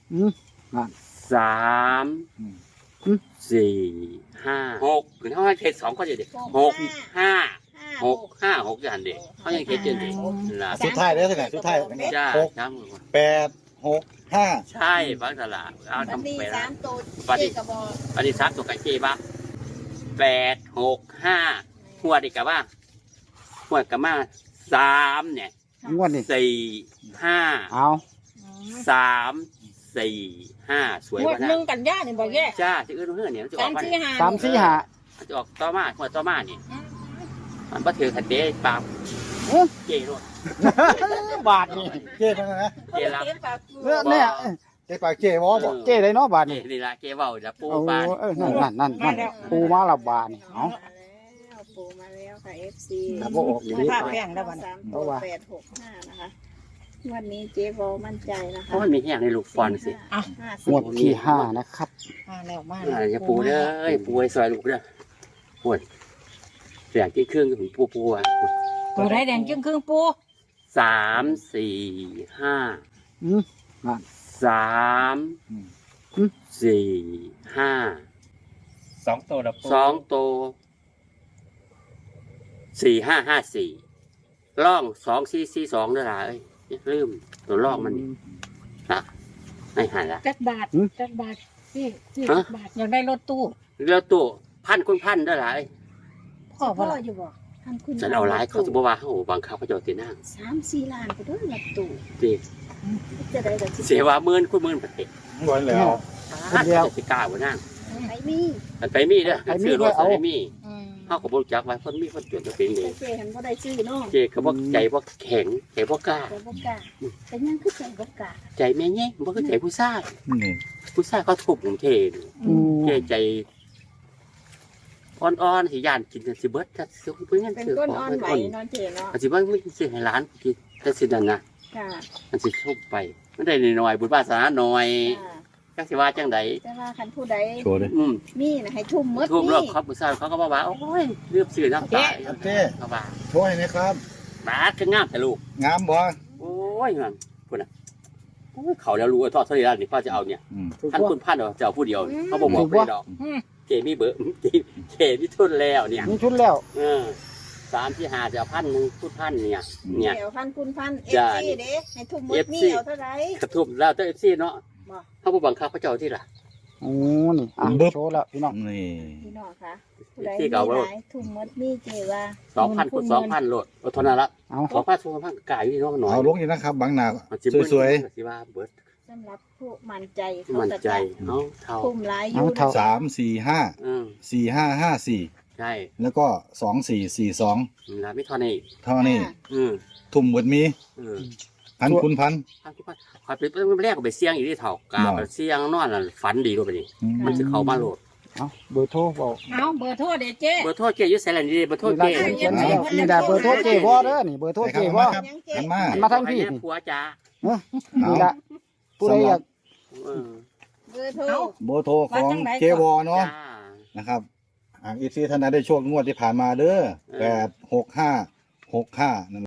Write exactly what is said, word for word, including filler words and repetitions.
อืมอ่ะสามสี่ห้าหกถึงเขาให้เขตสองก็จะเด็กหกห้าหกห้าหกอย่างเด็กเขายังเขตเจ็ดเด็กล่ะสุดท้ายเด้อสิสุดท้ายจ้าหกครับแปดหกห้าใช่ฟังตลาดเอาวันนี้ทำไปสาแล้วมตัววันนี้เจ๊กระบอกวันนี้สามตัวกันเจ๊บ้าแปดหกห้าหัวดอีกกับว่าหัวดกับมาสามเนี่ยงวดนี่สี่ห้าเอาสามสี่ห้าสวยงวกดว่านะหนึ่งกันยานี่บ่แย่จ้าที่อื่นเพื่อนเนี่ยมันจะอสาอกมมาสี่เนี่ยห้าสามสี่ห้ามันจะออกต่อมาหัวดต่อมาเนี่ยมันก็ถือขัดเดย์ปามเจ๊รถบาทนี่เจ๊เป็นไงนะเจ๊รับเจ๊ปากกูเออเนี่ยเจ๊ปากเจ๊วอบอกเจ้ได้เนาะบาทเจ๊นี่นี่ละเจ๊เบาจะปูโอ้ปลาเออนั่นนั่นนั่นนั่นปูมาละบาทนี่เอาแล้วปูมาแล้วค่ะ เอฟ ซีครับผมออกอยู่ดีภาพแป้งแล้วบ่สามตัวแปดหกห้านะคะวันนี้เจ๊บอมั่นใจนะเพคะราะมันมีแห้งในลูกฟอนสิห้าสิงบวดที่ห้านะครับมาแล้วมาอ่าแล้วจะปูเด้อปูไอ้ซอยลูกเด้อปวดเสียงที่เครื่องถึงปูปูอ่ะตัวไรแดงจึงครึ่งปูสามสี่ห้าอืมนั่นสามสี่ห้าสองตัวละปูสองโตวสี่ห้าห้าสี่ล่องสองสี่สี่สองด้วยล่ะเอ้ยอย่าลืมตัวล่องมันนี่นะไม่หันละจักบาทจักบาทพี่พี่จักบาทอยากได้รถตู้แล้วตัวพันคุณพันด้วยล่ะเอ้ยพ่อพ่พ่อออยู่บ่ท่านคุณฉันเอาหลายเขาจะบอกว่าเขาบังคับเขาจะเอาตีนั่งสามสี่ล้านไปด้วยหลับตู่จีจะได้แบบเสียว่าหมื่นคุณหมื่นประเทศบ่นแล้วถ้าจะสิกล้าบ่นั่งไอ้มีมันไปมีเด้อซื้อรถไปมีอืมเขาก็บอกจักไว้คนมีคนจนจะเป็นเองเจ๊เห็นว่าได้ชื่อเนาะเจ๊เขาบอกใจบอกแข็งใจบอกกล้าแต่บ่กล้าแต่ยังคือใจบ่กล้าใจแม่แง่บอกคือใจผู้ชายนี่ผู้ชายเขาถูกผมเทนอืมเจ๊ใจอ่อนๆสิย่านกินสิเบิดถ้าซื้อเพิ่นเป็นซื้อก้นของอ่อนเพิ่นไหวอ่อนนอนเจ๊เนาะอาจสิว่ามันสิให้ร้านกินแต่สินั่นน่ะค่ะมันสิทุบไปมันได้น้อยๆบุญวาสนาน้อยค่ะจักสิว่าจังไดแต่ว่าคันผู้ใดโชว์เลยอืมมีนะให้ทุ่มหมดทุบรอบนี่ครับผู้ชายเขาก็บอกว่าโอ้ยเลือบซื้อน้ำตาครับเจ๊เขาว่าโชว์ให้นะครับบาดคืองามแต่ลูกงามบ่โอ้ยมันพูดนะโอ้ยเขาแล้วรู้ว่าทอดเท่าไหร่แล้วนี่พ่อจะเอาเนี่ยอืมถูกท่านว่าคุณพันเอาจะเอาผู้เดียวเขาบอกบอกถูกไม่ปะดอกอืมเจมีเบอร์เจเจมีทุนแล้วเนี่ยมีชุดแล้วเออสามที่หาจะเอาพันหนึ่งทุนพันเนี่ยเนี่ยเดี๋ยวพันคุณพันเอฟจ้าซีเด้ให้ทุ่มหมดเอฟนี่ซีเอาเท่าไหร่กระทุบแล้วเจ้าเอฟซีเนาะบ่เขาบอกบังคับเขาเจ้าที่ล่ะโอ้นี่อ่ะโชว์แล้วพี่น้องนี่พี่น้องคะผู้ใดที่มีเก่าว่าหลายทุ่มหมดนี่เจว่าสองพันคูณสองพันโหลดอดทนนะละเอาสองพันสองพันกายอยู่ที่น้องหน่อยเอาลงอีกนะครับบางนามันสิเบิ้ลสวยสิว่าเบิร์ดสำหรับผู้มั่นใจเขามันจะใจเนาะเท่าทุ่มหลายอเอายู่เท่าๆสามสี่ห้าอืมสี่ห้าห้าสี่ใช่แล้วก็สองสี่สี่สองนะไม่เท่านี้เท่านี้อืมทุ่มหมดมีเออพันคุณพันพันคูณพันคอยไปแรกก็ไปเสี่ยงอยู่ที่เท่ากาเนาะไปเสี่ยงนอนน่ะฝันดีด้วยไปนี่อืมมันจะเข้ามาโหลดเอาเบอร์โทรบอกเอาเบอร์โทรเด้เจ๊เบอร์โทรเจอยุสไซแลนด์ดีเบอร์โทรนี่เจละเขียนให้แล้วนี่แหละเบอร์โทรเจบ่เด้อนี่เบอร์โทรใส่เจครับบ่มาครับกันมามาทางพี่อันนี้ผัวจ้านี่ละผู้ใดอยากเออเบอร์โทรโบโทรของเจวอเนาะจ้านะครับอ่าอีซีท่านใดได้โชคงวดที่ผ่านมาเด้อแปดหกห้าหกห้า